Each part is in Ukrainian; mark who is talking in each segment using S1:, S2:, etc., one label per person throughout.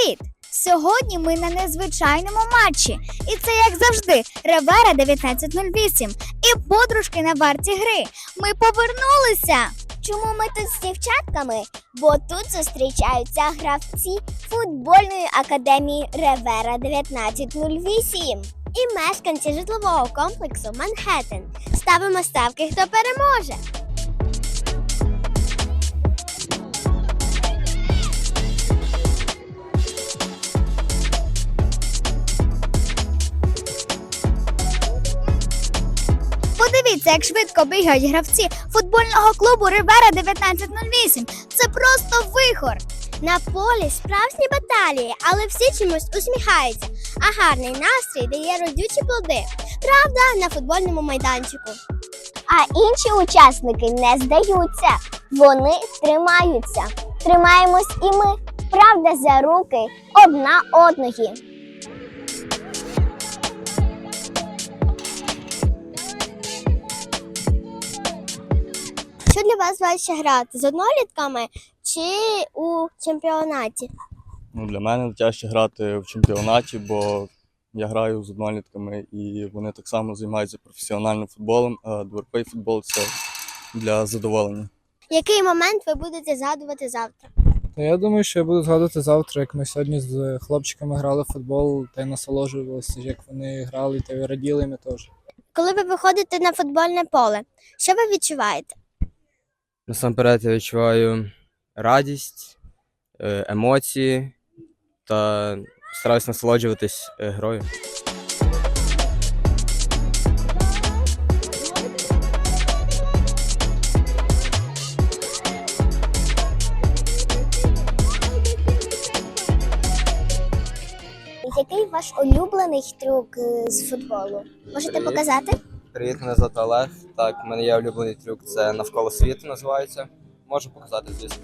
S1: Привіт! Сьогодні ми на незвичайному матчі. І це, як завжди, Ревера 1908 і подружки на варті гри. Ми повернулися!
S2: Чому ми тут з дівчатками? Бо тут зустрічаються гравці футбольної академії Ревера 1908 і мешканці житлового комплексу Манхеттен. Ставимо ставки, хто переможе.
S1: Подивіться, як швидко бігають гравці футбольного клубу Ревера 1908. Це просто вихор!
S2: На полі справжні баталії, але всі чомусь усміхаються, а гарний настрій дає родючі плоди. Правда, на футбольному майданчику. А інші учасники не здаються. Вони тримаються. Тримаємось і ми. Правда, за руки одна одної. Що для вас важче грати? З однолітками чи у чемпіонаті?
S3: Для мене тяжче грати в чемпіонаті, бо я граю з однолітками і вони так само займаються професіональним футболом, а дворовий футбол – це для задоволення.
S2: Який момент ви будете згадувати завтра?
S4: Я думаю, що я буду згадувати завтра, як ми сьогодні з хлопчиками грали в футбол та й насолоджувалися, як вони грали, та й раділи, і ми теж.
S2: Коли ви виходите на футбольне поле, що ви відчуваєте?
S5: Насамперед я відчуваю радість, емоції та стараюсь насолоджуватись грою.
S2: Який ваш улюблений трюк з футболу? Можете
S5: Привіт.
S2: показати?
S5: Привіт, мене звати Олег. Так, в мене є улюблений трюк, це навколо світу називається. Можу показати, звісно.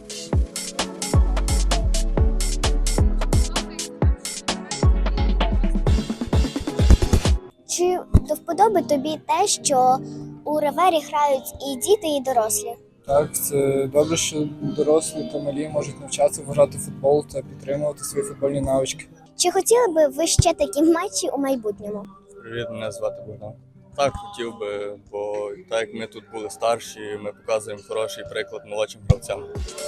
S2: Чи до вподоби тобі те, що у Ревері грають і діти, і дорослі?
S4: Так, це добре, що дорослі та малі можуть навчатися грати в футбол та підтримувати свої футбольні навички.
S2: Чи хотіли би ви ще такі матчі у майбутньому?
S3: Привіт, мене звати Богдан. Так, хотів би, бо так як ми тут були старші, ми показуємо хороший приклад молодшим гравцям.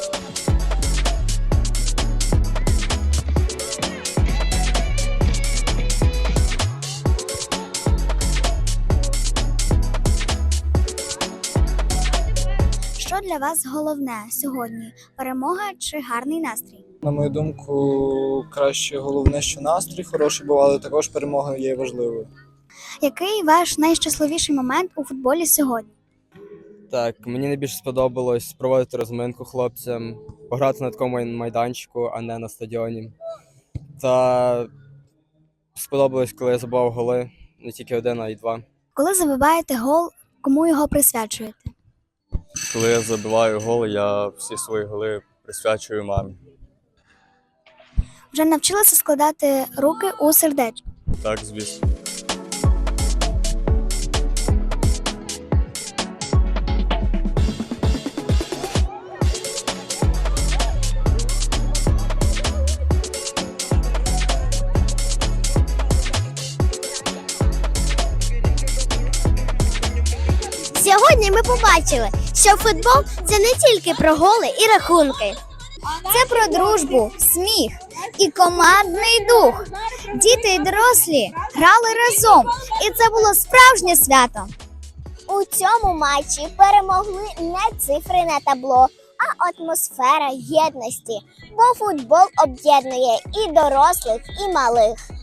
S1: Що для вас головне сьогодні? Перемога чи гарний настрій?
S4: На мою думку, краще головне, що настрій хороший був, але також перемога є важливою.
S1: Який ваш найщасливіший момент у футболі сьогодні?
S5: Так, мені найбільше сподобалось проводити розминку хлопцям, пограти на такому майданчику, а не на стадіоні. Та сподобалось, коли я забивав голи, не тільки один, а й два.
S1: Коли забиваєте гол, кому його присвячуєте?
S3: Коли я забиваю гол, я всі свої голи присвячую мамі.
S1: Вже навчилися складати руки у сердечко?
S3: Так, звісно.
S2: Сьогодні ми побачили, що футбол – це не тільки про голи і рахунки.
S1: Це про дружбу, сміх і командний дух. Діти і дорослі грали разом, і це було справжнє свято.
S2: У цьому матчі перемогли не цифри на табло, а атмосфера єдності, бо футбол об'єднує і дорослих, і малих.